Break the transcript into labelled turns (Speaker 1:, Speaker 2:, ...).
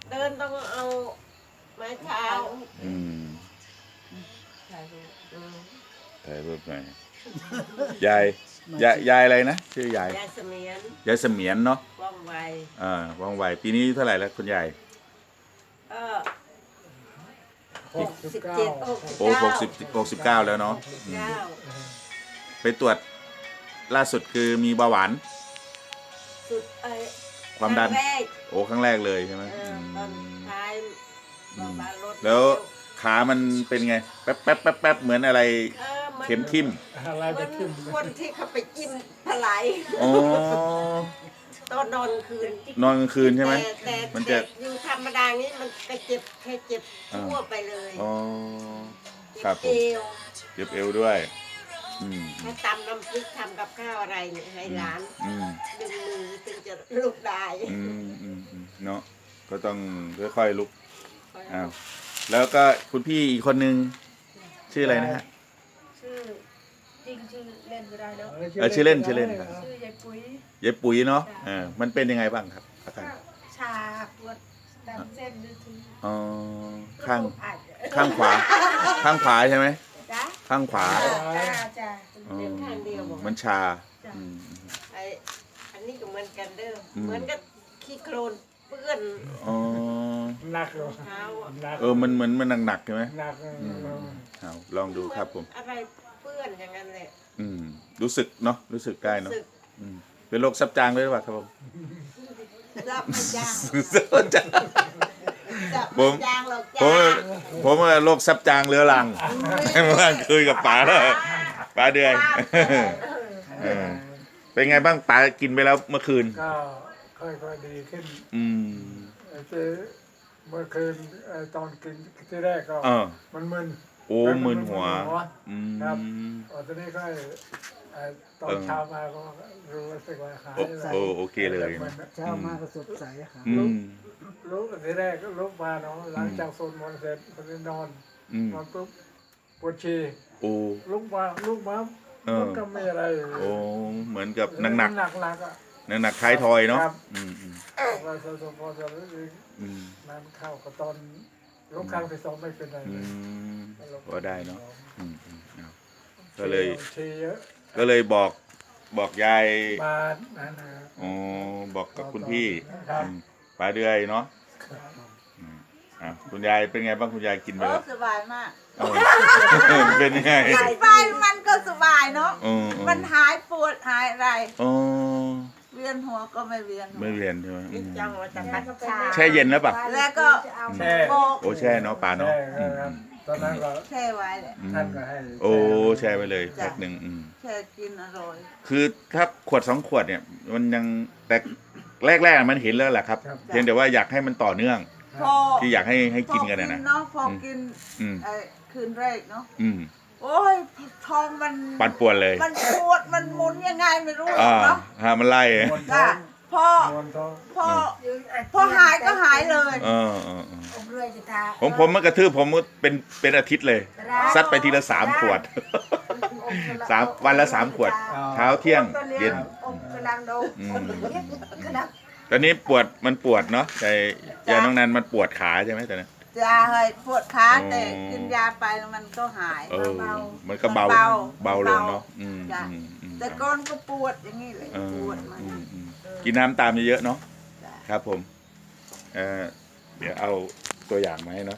Speaker 1: เดินต้องเอาไม้เท้า
Speaker 2: อืม
Speaker 3: ถ่ายรูป
Speaker 2: ถ่ายรูปหน่อยยายอะไรนะชื่อยาย
Speaker 1: ยายเสมียน
Speaker 2: ยายเสมียนเนาะ
Speaker 1: ว่องไว
Speaker 2: ว่องไวปีนี้เท่าไหร่แล้วคุณยาย
Speaker 1: 67
Speaker 2: โอ้69แล้วเนาะอืม
Speaker 1: 69
Speaker 2: ไปตรวจล่าสุดคือมีเบาหวาน
Speaker 1: สุด
Speaker 2: ความดัน
Speaker 1: ครั้งแรก
Speaker 2: โอ้ครั้งแรกเลยใช่ไหม
Speaker 1: ตอนท้ายบาลด
Speaker 2: แล้วขามันเป็นไงแป๊บแป๊บแป๊บแป๊บเหมือนอะไรเข็มทิ่ม
Speaker 4: อะไร
Speaker 1: เหมื
Speaker 4: จะ
Speaker 1: อน
Speaker 4: ขึ้น
Speaker 1: คนที่เขาไปจิ้มถลาย
Speaker 2: อ๋อ
Speaker 1: ตอนนอนคืน
Speaker 2: นอนกลางคืนใช่ไหม
Speaker 1: แต่
Speaker 2: มันจะ
Speaker 1: อยู่ธรรมดานี้มันไปเจ็บแค่เจ็บทั่วไปเลย
Speaker 2: อ๋อค
Speaker 1: เจ็
Speaker 2: รับบ ผ
Speaker 1: เอ
Speaker 2: ม
Speaker 1: ว
Speaker 2: เจ็บเอวด้วยอืม
Speaker 1: ให้ตำน้ำพริกทำกับข้าวอะไรเนี่ยให้ร้าน
Speaker 2: อืม
Speaker 1: ดึงมือถึงจะลุกได้
Speaker 2: เนาะก็ต้องค่อยๆลุกอ้าวแล้วก็คุณพี่อีกคนนึงชื่ออะไรนะฮะ
Speaker 3: ชื่อจริงชื่อเล่นก็ได้แล้ว
Speaker 2: ชื่อเล่นครับ
Speaker 3: ชื่อยายปุ๋ย
Speaker 2: ยายปุ๋ยเนาะมันเป็นยังไงบ้างครับอาการ
Speaker 3: ก็ชาปวดตามเส้นนึกถึง
Speaker 2: อ๋อข้าง
Speaker 3: อาจ
Speaker 2: ข้างขวา ข้างขวาใช่ไหม
Speaker 3: จ้ะ
Speaker 2: ข้างขวา
Speaker 3: จ้า
Speaker 2: อ๋อ
Speaker 1: เดินข้างเดียวบอก
Speaker 2: มันชาอืม
Speaker 1: อันนี้ก็เหมือนกันเด้อ
Speaker 2: อืม
Speaker 1: เหมือนกับขี้โคลนเปื้อน
Speaker 2: อ๋อ
Speaker 4: หนักเลย
Speaker 1: เท้าอะ
Speaker 4: หนัก
Speaker 2: มันเหมือนมันหนักๆใช่ไหม
Speaker 4: หนัก
Speaker 2: เอาลองดูครับผม
Speaker 1: อะไรเปื้อนอย่างนั้นแหละ
Speaker 2: รู้สึกเนาะรู้สึกได้เนาะ
Speaker 1: รู้สึก
Speaker 2: เป็นโรคซับจางด้วยหรือเปล่าครับผม
Speaker 1: รับไม่จ้าง
Speaker 2: ซับจาง
Speaker 1: จับ
Speaker 2: ผม
Speaker 1: ไม่จ้างหรอก
Speaker 2: ผม
Speaker 1: จ้า
Speaker 2: ผมว่าโรคซับจางเรื้อรังเมื่อวานคุยกับป๋าแล้วป๋าเดือยเออเป็นไงบ้างป๋ากินไปแล้วเมื่อคืน
Speaker 4: ก็ค่อยๆดีขึ้น
Speaker 2: อืม
Speaker 4: เมื่อคืนตอนกินที่แรกก็
Speaker 2: เออ
Speaker 4: มันมึน
Speaker 2: โอ้มึนหัวอืม
Speaker 4: ครับตอนนี้ก็ตอนเช้ามาก็รู้สึกว่าหาย
Speaker 2: โอเคเลย
Speaker 5: เช้ามาก็สดใสค่ะ
Speaker 2: อืม
Speaker 4: รู้ที่แรกก็ลุกมาเนาะหลังจากสวดมนต์เสร็จก็นอน
Speaker 2: อืม
Speaker 4: นอนปุ๊บปวดฉี่
Speaker 2: โอ้
Speaker 4: ลุกมามันก็ไม่อะไร
Speaker 2: โอ้เหมือนกับหนัก
Speaker 4: หนักอ่ะ
Speaker 2: หนักท้ายทอยเนาะ
Speaker 4: ครับ
Speaker 2: อืม
Speaker 4: ว่าสมพอจะรู้สึก
Speaker 2: อืม
Speaker 4: น้ำเข้าก็ตอนลุกครั้งที่สองไม่เป็นไร
Speaker 2: อื
Speaker 4: เลย
Speaker 2: มก็ได้เนาะเอาก็เลย
Speaker 4: ฉี่เยอะ
Speaker 2: ก็เลยบอกยาย
Speaker 4: บาดนั่นนะ
Speaker 2: อ๋อบอกกับคุณพี่
Speaker 4: ครับ
Speaker 2: ป๋าเดือยเนาะคุณยายเป็นไงบ้างคุณยายกินไปแล้ว
Speaker 6: สบายมาก
Speaker 2: เออเป็นยังไง
Speaker 6: สบายมันก็สบายเนาะ
Speaker 2: อ๋อ
Speaker 6: มันหายปวดหายอะไร
Speaker 2: อ๋อ
Speaker 6: เวียนหัวก็ไม่เวียนหัว
Speaker 2: ไม่เวียนใช่ไหม
Speaker 1: นี่จังว่าจะพัดชา
Speaker 2: แช่เย็นแล้วปะ
Speaker 6: แล้วก็
Speaker 4: แช่
Speaker 6: โบก
Speaker 2: โอ้แช่เนาะป๋าเนาะ
Speaker 4: แช่ครับตอนนั้นก็
Speaker 6: แช่ไว้เลย
Speaker 4: ท่านก็ให้
Speaker 2: โอ้แช่ไปเลยแพ็คหนึ่ง
Speaker 6: แช่กินอร่อย
Speaker 2: คือถ้าขวด2 ขวดเนี่ย มันยังแต่แรกๆมันเห็นแล้วแหละครับเพียงแต่ว่าอยากให้มันต่อเนื่อง
Speaker 6: พอ
Speaker 2: ที่อยากให้กินกันนะ
Speaker 6: เนาะพอกิน
Speaker 2: อืม
Speaker 6: คืนแรกเนาะ
Speaker 2: อืม
Speaker 6: โอ้ยท้องมัน
Speaker 2: ปั่นป่วนเลย
Speaker 6: มันปวดมันหมุนยังไงไม่รู้ เนาะ
Speaker 2: มันไล่
Speaker 4: มวนท้อ
Speaker 6: จ้ะ
Speaker 4: ง
Speaker 6: พอ
Speaker 4: มวนท้อง
Speaker 6: พอหายก็หายเลย
Speaker 3: ผมรวยจะทา
Speaker 2: ผมมันกระทืบผมเป็นอาทิตย์เลย ซัดไปทีละ3 ขวด วันละ 3 ขวด เช้าเที่ยงเย็น
Speaker 6: กำลังดู
Speaker 2: อืม
Speaker 3: ขนาด
Speaker 2: ตอนนี้มันปวดเนาะแต่ยาน้องนันมันปวดขาใช่ไหมตอนนั้น
Speaker 6: ยาเฮ้ยปวดขา
Speaker 2: อ๋อ
Speaker 6: แต่กินยาไปแล้วมันก็หาย
Speaker 2: มันก็เบา
Speaker 6: เบา
Speaker 2: ลงเนาะ
Speaker 6: จ้ะ แต่ก้อนก็ปวดอย่างนี้เลย
Speaker 2: เออ
Speaker 6: ปวดมัน
Speaker 2: กินน้ำตามเยอะๆเนาะ
Speaker 6: จ้ะ
Speaker 2: ครับผมเดี๋ยวเอาตัวอย่างมาให้เนาะ